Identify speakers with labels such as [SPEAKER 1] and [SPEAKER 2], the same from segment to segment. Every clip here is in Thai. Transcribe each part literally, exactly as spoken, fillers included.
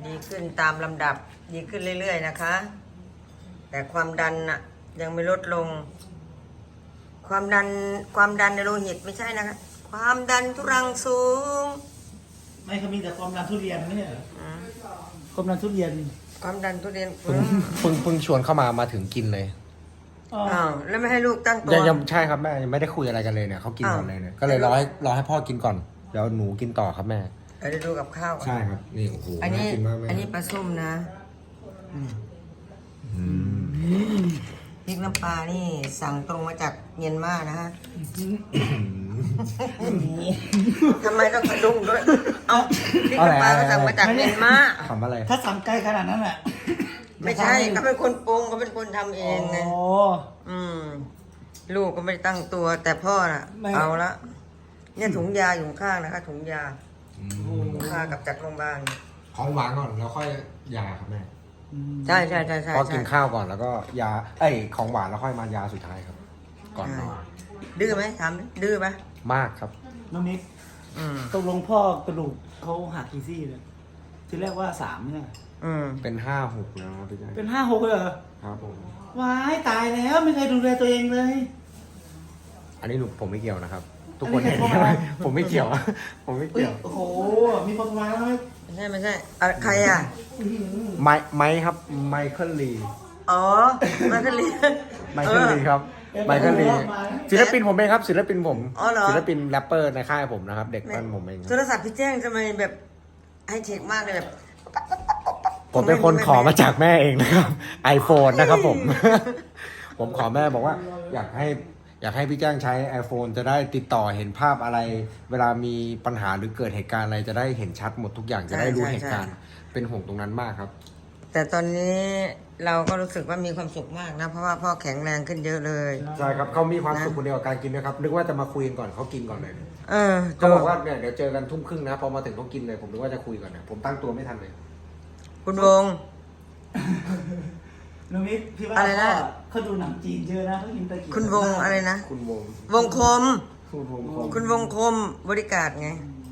[SPEAKER 1] ดีขึ้นตามลำดับดีขึ้นเรื่อยๆนะคะ แต่ความดันน่ะยังไม่ลดลง ความดันความดันในโลหิตไม่ใช่นะคะความดันทุรังสูง
[SPEAKER 2] ไม่เขามีแต่ความดันทุเรียนไม่ใช่เหรอ
[SPEAKER 1] อืม
[SPEAKER 2] ความดันทุเรียน
[SPEAKER 1] ความดันทุเรียน
[SPEAKER 3] เพิ่งเพิ่งเพิ่งชวนเข้ามามาถึงกินเลย
[SPEAKER 2] อ๋อ
[SPEAKER 1] อ้าวแล้วไม่ให้ลูกตั้งตัว
[SPEAKER 3] ยังยังใช่ครับแม่ยังไม่ได้คุยอะไรกันเลยเนี่ยเขากินก่อนเลยเนี่ยก็เลยรอให้รอให้พ่อกินก่อนเดี๋ยวหนูกินต่อครับแม่
[SPEAKER 1] เดี๋ยวดูกับข้าวก่อน
[SPEAKER 3] ใช่ครับนี่โอ้โห
[SPEAKER 1] อันนี้
[SPEAKER 3] ากินมากแม่
[SPEAKER 1] อันนี้ปลาส้มนะ
[SPEAKER 3] อืม
[SPEAKER 1] พริกน้ำปลานี่สั่งตรงมาจากเมียนมานะฮะทำไมต้องกระดุมด้วย เอาพริกน้ำปลาก็สั่งมาจากเมียนมา
[SPEAKER 3] ทำอะไร
[SPEAKER 2] ถ้าสั่งไกลขนาดนั้นแหละ
[SPEAKER 1] ไม่ใช่เขาเป็นคนปรุงเขาเป็นคนทำเองไง
[SPEAKER 2] โอ้
[SPEAKER 1] อืม ลูกก็ไม่ได้ตั้งตัว แต่พ่อน่ะ
[SPEAKER 2] ไม่
[SPEAKER 1] เอาละเนี่ยถุงยาอยู่ข้างนะคะถุงยา
[SPEAKER 3] อืม
[SPEAKER 1] ถุงยากลับจากโรงพยาบาล
[SPEAKER 3] ของหวานก่อนแล้วค่อยยาครับแม่
[SPEAKER 1] ใช่ใช่ใช่ใช่
[SPEAKER 3] พอ
[SPEAKER 1] ใช่
[SPEAKER 3] กินข้าวก่อนแล้วก็ยาเอ้ยของหวานแล้วค่อยมายาสุดท้ายครับ ก่อนนอน
[SPEAKER 1] ดื้อไหมถามดิดื้อไหม
[SPEAKER 3] มากครับ
[SPEAKER 2] น้องนิก
[SPEAKER 1] อืม
[SPEAKER 2] ตกลงพ่อกระดูกเขาหักกี่ซี่เลยทีแรกว่าสามเนี่ย
[SPEAKER 1] อืม
[SPEAKER 3] เป็นห้าหกแล้วครับพี่แจ๊ค
[SPEAKER 2] เป็นห้าหกเลยเหรอ
[SPEAKER 3] ครับผม
[SPEAKER 2] ว้ายตายแล้วไม่เคยดูแลตัวเองเลย
[SPEAKER 3] อันนี้หนูผมไม่เกี่ยวนะครับ ทุกคน
[SPEAKER 2] อันนี้
[SPEAKER 3] เห็น
[SPEAKER 2] ใคร
[SPEAKER 3] ใช่ไหม
[SPEAKER 2] บอก
[SPEAKER 3] ผมไม่เกี่ยว ผมไม่
[SPEAKER 2] เอ้ย
[SPEAKER 3] เกี่ยว
[SPEAKER 2] โอ้โหมีคนมาแล้วไหม
[SPEAKER 1] ไม่ใช่ไม่ใช่อ่ะใครอ่ะ
[SPEAKER 3] ไมค์ไมค์ครับไมเคิลลี
[SPEAKER 1] อ๋อมันก็เรียน
[SPEAKER 3] ไมเคิลลีครับไมเคิลลีศิลปินผมเองครับศิลปินผม
[SPEAKER 1] อ๋อเหรอ
[SPEAKER 3] ศิลปินแรปเปอร์ในค่ายผมนะครับ เด็กปั้นผมเอง
[SPEAKER 1] โทรศัพท์พี่แจ้งทำไมแบบไฮเทคมากเลยแบบ
[SPEAKER 3] ผมเป็นคนขอมาจากแม่เองนะครับ iPhone นะครับผม ผมขอแม่บอกว่า อยากให้อยากให้พี่แจ้งใช้ iPhone จะได้ติดต่อเห็นภาพอะไร เวลามีปัญหาหรือเกิดเหตุการณ์อะไรจะได้เห็นชัดหมดทุกอย่างจะได้รู้เหตุการณ์เป็นห่วงตรงนั้นมากครับ
[SPEAKER 1] แต่ตอนนี้เราก็รู้สึกว่ามีความสุขมากนะ เพราะว่าพ่อแข็งแรงขึ้นเยอะเลย
[SPEAKER 3] ใช่ครับเขามีความสุขคนเดียวกับการกินนะครับนึกว่าจะมาคุยกันก่อนเขากินก่อนเลย
[SPEAKER 1] เออ
[SPEAKER 3] เขาบอกว่าเนี่ยเดี๋ยวเจอกันทุ่มครึ่งนะพอมาถึงเขากินเลยผมนึกว่าจะคุยก่อนนะผมตั้งตัวไม่ทันเลย
[SPEAKER 1] คุณวง
[SPEAKER 2] น้องนิกพี่ว่า
[SPEAKER 1] อะไรนะ
[SPEAKER 2] พ่เขาดูหนังจีนเยอะนะเขากินตะกี้
[SPEAKER 1] คุณวงอะไรนะ
[SPEAKER 3] คุณวง
[SPEAKER 1] วงคม
[SPEAKER 3] คุณวงคง
[SPEAKER 1] คุณวงคมบริการไง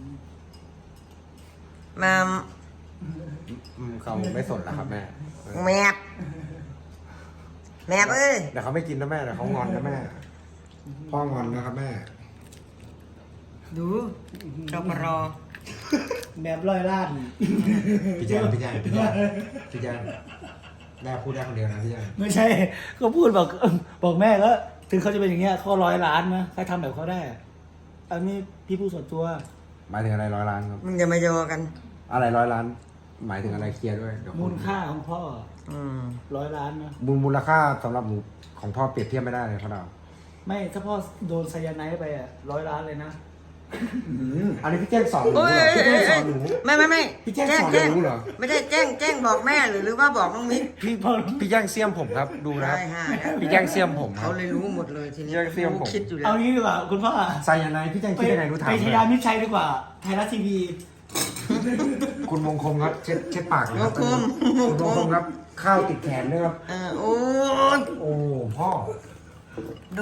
[SPEAKER 1] มา
[SPEAKER 3] อืมเขาไม่สนแล้วครับแม่
[SPEAKER 1] แมบแมบเอ้ย
[SPEAKER 3] เดี๋ยวเขาไม่กินนะแม่เดี๋ยวเขางอนนะแม่พ่องอนนะครับแม่
[SPEAKER 1] ดูเราก็รอ
[SPEAKER 2] แมบร้อยล้าน
[SPEAKER 3] พี่แจ้งพี่แจ้งพี่แจ้งพี่แจ้งแม่พูดได้คนเดียวนะพี่แจ้ง
[SPEAKER 2] ไม่ใช่ก็พูดบอกบอกแม่ก็ถึงเขาจะเป็นอย่างเงี้ยเขาร้อยล้านนะใครทำแบบเขาได้อะอันนี้พี่พูดส่วนตัว
[SPEAKER 3] หมายถึงอะไรร้อยล้านครับ
[SPEAKER 1] มึงอย่ามาโยกัน
[SPEAKER 3] อะไรร้อยล้าน หมายถึงอะไรเคลียร์ด้วยเดี๋ยว
[SPEAKER 2] มูลค่าของพ่อ
[SPEAKER 1] อืม
[SPEAKER 2] ร้อยล้านนะ
[SPEAKER 3] มูลมูลค่าสำหรับหนูของพ่อเปรียบเทียบไม่ได้เลยพ่อดาว
[SPEAKER 2] ไม่ถ้าพ่อโดนไซยาไนด์ไปอ่ะร้อยล้านเลยนะ
[SPEAKER 3] อันนี้พี่แจ้งสอนหนู
[SPEAKER 1] โอ้ย
[SPEAKER 3] เหรอพี่แจ้งส
[SPEAKER 1] เอ้
[SPEAKER 3] อย นหนู
[SPEAKER 1] ไม่ไม่ไม่
[SPEAKER 3] พี่แจ้งสอน
[SPEAKER 1] แจ้ง
[SPEAKER 3] หนูเหรอ
[SPEAKER 1] ไม่ใช่แจ้งแจ้งบอกแม่หรือหรือว่าบอกน้องมิก
[SPEAKER 2] พี่พ่อ
[SPEAKER 3] พี่แจ้งเสียมผมครับดูนะ
[SPEAKER 1] ได้ห้าแล้ว
[SPEAKER 3] พี่แจ้งเสียมผมครั
[SPEAKER 1] เขา
[SPEAKER 3] บ
[SPEAKER 1] เลยรู้หมดเลยทีนี้
[SPEAKER 3] แจ้งเสี้ยมผม
[SPEAKER 1] คิดอยู่แล้
[SPEAKER 2] เอา
[SPEAKER 1] ว
[SPEAKER 2] งี้ดีกว่าคุณพ่อ
[SPEAKER 3] ไซยาไนด์พี่แจ้งคิดได้ไงรู้ถาม
[SPEAKER 2] ไป
[SPEAKER 3] เล
[SPEAKER 2] ช
[SPEAKER 3] ย
[SPEAKER 2] ยามิตรชัยดีกว่าไทยรัฐทีวี
[SPEAKER 3] คุณมงคลครับเช็ดเช็ดปากเลย
[SPEAKER 1] ว
[SPEAKER 3] ครับ
[SPEAKER 1] งคม
[SPEAKER 3] คุณมงคลครับข้าวติดแขนด้วยครับ
[SPEAKER 1] เออโอ้ย
[SPEAKER 3] โอ้พ่อ
[SPEAKER 1] ดู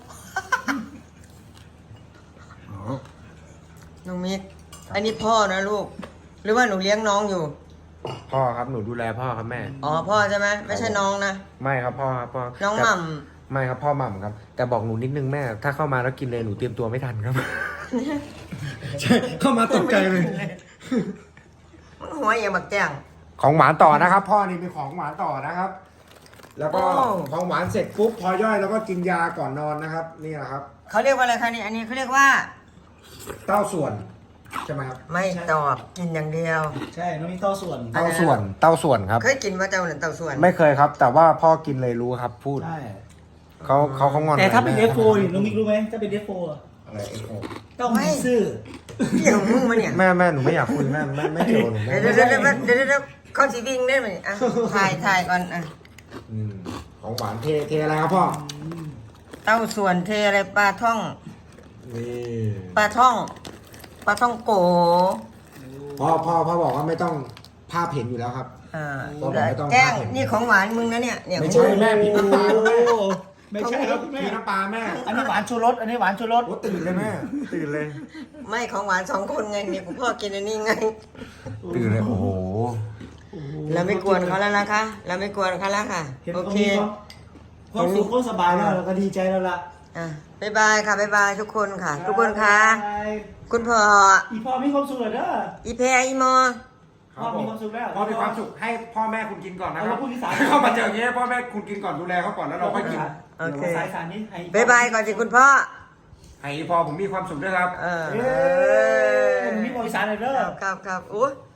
[SPEAKER 1] น้องมิก อันนี้พ่อนะลูก หรือว่าหนูเลี้ยงน้องอยู่
[SPEAKER 3] พ่อครับหนูดูแลพ่อครับแม่
[SPEAKER 1] อ๋อพ่อใช่ไหมไม่ใช่น้องนะ
[SPEAKER 3] ไม่ครับพ่อครับพ่อ
[SPEAKER 1] น้อง
[SPEAKER 3] แต่
[SPEAKER 1] หม่
[SPEAKER 3] ไม่ครับพ่อหม่ำครับ แต่บอกหนูนิดนึงแม่ ถ้าเข้ามาแล้วกินเลยหนูเตรียมตัวไม่ทันครับ ใช่เข้ามาตกใจเลย
[SPEAKER 1] ำมันหัวอย่าบักแจ้ง
[SPEAKER 3] ของหวานต่อนะครับ พ่อนี่มีของหวานต่อนะครับ แล้วก็
[SPEAKER 1] โอ้
[SPEAKER 3] ของหวานเสร็จปุ๊บพอย่อยแล้วก็กินยาก่อนนอนนะครับ นี่แหละครับ
[SPEAKER 1] เขาเรียกว่าอะไรคะนี่อันนี้เขาเรียกว่า
[SPEAKER 3] เต้าส่วนใช่ไหมครับ
[SPEAKER 1] ไม่ตอบกินอย่างเดียว
[SPEAKER 2] ใช่น้องมีต้อส่วน
[SPEAKER 1] อันนั้น
[SPEAKER 3] เต้าส่วนเต้าส่วนครับ
[SPEAKER 1] เคยกินว่าเจ้าหนึ่งเต่าส่วน
[SPEAKER 3] ไม่เคยครับ แต่ว่าพ่อกินเลยรู้ครับ พูด
[SPEAKER 2] ใช่
[SPEAKER 3] เขาเขาเขางอน
[SPEAKER 2] แต่ถ้าเป็น
[SPEAKER 3] แม่
[SPEAKER 2] เอฟโฟนี่น้องมิกรู้ไหมถ้าเป็นเอฟโฟ
[SPEAKER 3] อะไรเอฟโอ
[SPEAKER 2] ต้องมีซื่อ
[SPEAKER 1] เกี่ยวมึงมาเนี่ย
[SPEAKER 3] แม่แม่หนูไม่อยากคุยแม่แม่ไม่เกี่ยวกับหนูแม่
[SPEAKER 1] เดี๋ยวเดี๋ยวเดี๋ยวเดี๋ยวเดี๋ยวเดี๋ยวเข้าสีวิ่งได้ไหมอ่ะถ่ายถ่ายก่อนอ่ะ
[SPEAKER 3] อืมของหวานเทเทอะไรครับพ่อ
[SPEAKER 1] เต้าส่วนเทอะไรปลาท่อง
[SPEAKER 3] นี่
[SPEAKER 1] ปลาท่องปลาท่องโก
[SPEAKER 3] พ่อพ่อพ่อบอกว่าไม่ต้องภาพเห็นอยู่แล้วครับ
[SPEAKER 1] อ่า
[SPEAKER 3] บอกไม่ต้อง
[SPEAKER 1] แจ้ง
[SPEAKER 3] พลาดเห็น
[SPEAKER 1] นี่ของหวานมึงนะเนี่ยเนี่ย
[SPEAKER 3] ไม่ใช่แม่ผิดน้ำตาล
[SPEAKER 2] โอ้แไม่ใช่ครับคุณแม่
[SPEAKER 3] มีน้ำปลาแม่
[SPEAKER 2] อันนี้หวานชูรสอันนี้หวานชูรส
[SPEAKER 3] โอ้ตื่นเลยแม่ตื่นเลย
[SPEAKER 1] ไม่ของหวานสองคนไงนี่คุณพ่อกินอันนี้ไง
[SPEAKER 3] ตื่นเลยโอ้โห
[SPEAKER 1] เราไม่กวนเขาแล้วนะคะ เราไม่กวนเขาแล้วค่ะ
[SPEAKER 2] เห็น
[SPEAKER 1] โอ
[SPEAKER 2] เขา
[SPEAKER 1] เค
[SPEAKER 2] มีความความสุขความสบายแล้วเราก็ดีใจแล้วล่ะ
[SPEAKER 1] อ่ะบ๊ายบายค่ะบ๊ายบายทุกคนค่ะ ทุกคนค่ะ คุณพ่อ
[SPEAKER 2] อีพ่อมีความสุขเลยเด้อ
[SPEAKER 1] อีแพรอีมอ
[SPEAKER 2] พ่อมีความสุขแล้ว
[SPEAKER 3] พ่อมีความสุขให้พ่อแม่คุณกินก่อนนะค
[SPEAKER 2] เอา
[SPEAKER 3] รั
[SPEAKER 2] มา
[SPEAKER 3] บ
[SPEAKER 2] พูดอีสาน
[SPEAKER 3] เข้ามาเจออย่างนี้ให้พ่อแม่คุณกินก่อนดูแลเขาก่อนแล้วเราค่อยกิน
[SPEAKER 1] โอเค
[SPEAKER 2] ดี๋ยวสายสารนี้ให้
[SPEAKER 1] บ๊ายบายก่อนสิคุณพ่อ
[SPEAKER 3] ให้พอผมมีความสุขด้วยครับ
[SPEAKER 1] เออ
[SPEAKER 2] เอ้ยมีความอีสานเลยเด้อ
[SPEAKER 1] ครับครับครับโอ้